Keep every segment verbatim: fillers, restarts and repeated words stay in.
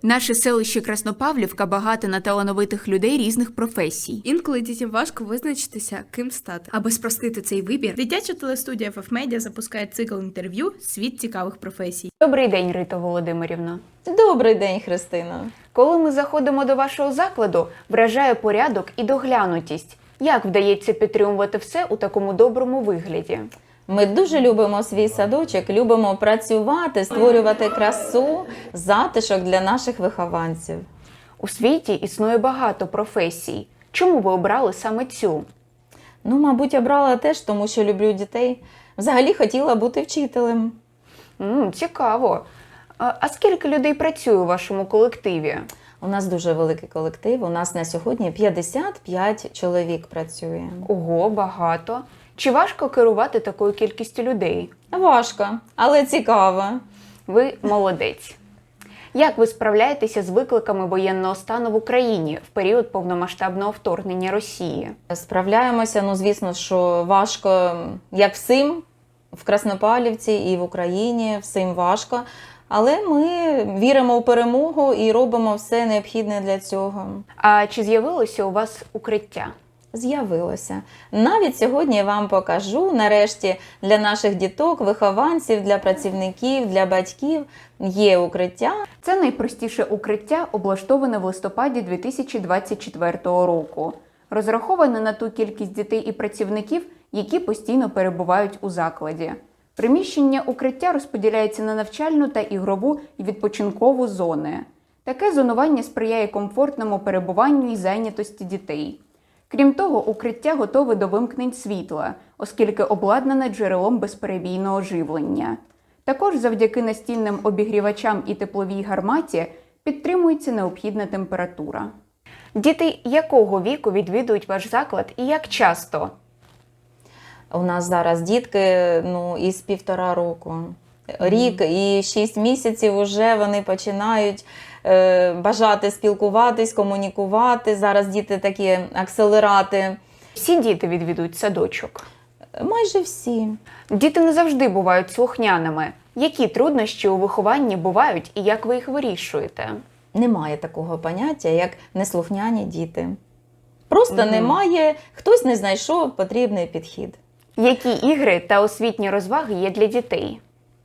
Наше селище Краснопавлівка багато на талановитих людей різних професій. Інколи дітям важко визначитися, ким стати. Аби спростити цей вибір, дитяча телестудія еф еф Media запускає цикл інтерв'ю «Світ цікавих професій». Добрий день, Рита Володимирівна. Добрий день, Христина. Коли ми заходимо до вашого закладу, вражає порядок і доглянутість. Як вдається підтримувати все у такому доброму вигляді? Ми дуже любимо свій садочок, любимо працювати, створювати красу, затишок для наших вихованців. У світі існує багато професій. Чому ви обрали саме цю? Ну, мабуть, обрала теж, тому що люблю дітей. Взагалі хотіла бути вчителем. М, цікаво. А, а скільки людей працює у вашому колективі? У нас дуже великий колектив, у нас на сьогодні п'ятдесят п'ять чоловік працює. Ого, багато. Чи важко керувати такою кількістю людей? Важко, але цікаво. Ви молодець. Як ви справляєтеся з викликами воєнного стану в Україні в період повномасштабного вторгнення Росії? Справляємося, ну, звісно, що важко, як всім, в Краснопавлівці і в Україні, всім важко. Але ми віримо в перемогу і робимо все необхідне для цього. А чи з'явилося у вас укриття? З'явилося. Навіть сьогодні я вам покажу, нарешті, для наших діток, вихованців, для працівників, для батьків є укриття. Це найпростіше укриття, облаштоване в листопаді дві тисячі двадцять четвертого року. Розраховане на ту кількість дітей і працівників, які постійно перебувають у закладі. Приміщення укриття розподіляється на навчальну та ігрову і відпочинкову зони. Таке зонування сприяє комфортному перебуванню і зайнятості дітей. Крім того, укриття готове до вимкнень світла, оскільки обладнане джерелом безперебійного живлення. Також завдяки настільним обігрівачам і тепловій гарматі підтримується необхідна температура. Діти якого віку відвідують ваш заклад і як часто? У нас зараз дітки, ну, із півтора року. Рік і шість місяців вже вони починають е, бажати спілкуватись, комунікувати. Зараз діти такі акселерати. Всі діти відвідують садочок? Майже всі. Діти не завжди бувають слухняними. Які труднощі у вихованні бувають і як ви їх вирішуєте? Немає такого поняття, як неслухняні діти. Просто Мгм. немає, хтось не знайшов потрібний підхід. Які ігри та освітні розваги є для дітей?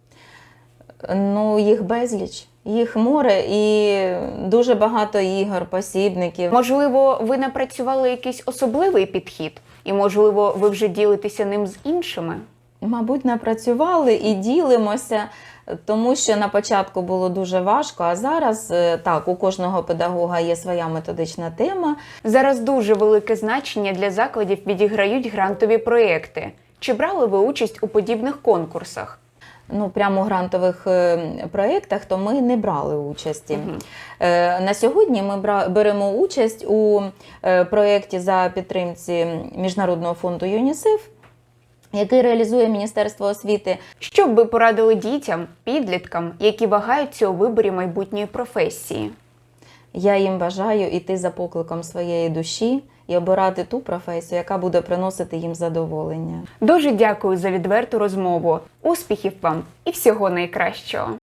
Ну, їх безліч, їх море і дуже багато ігор, посібників. Можливо, ви напрацювали якийсь особливий підхід? І, можливо, ви вже ділитеся ним з іншими? Мабуть, напрацювали і ділимося, тому що на початку було дуже важко, а зараз, е, так, у кожного педагога є своя методична тема. Зараз дуже велике значення для закладів відіграють грантові проєкти. Чи брали ви участь у подібних конкурсах? Ну, прямо у грантових е, проєктах, то ми не брали участі. Мгм. Е, на сьогодні ми бра- беремо участь у е, проєкті за підтримці Міжнародного фонду ЮНІСЕФ, який реалізує Міністерство освіти. Що б ви порадили дітям, підліткам, які вагаються у виборі майбутньої професії? Я їм бажаю йти за покликом своєї душі і обирати ту професію, яка буде приносити їм задоволення. Дуже дякую за відверту розмову. Успіхів вам і всього найкращого!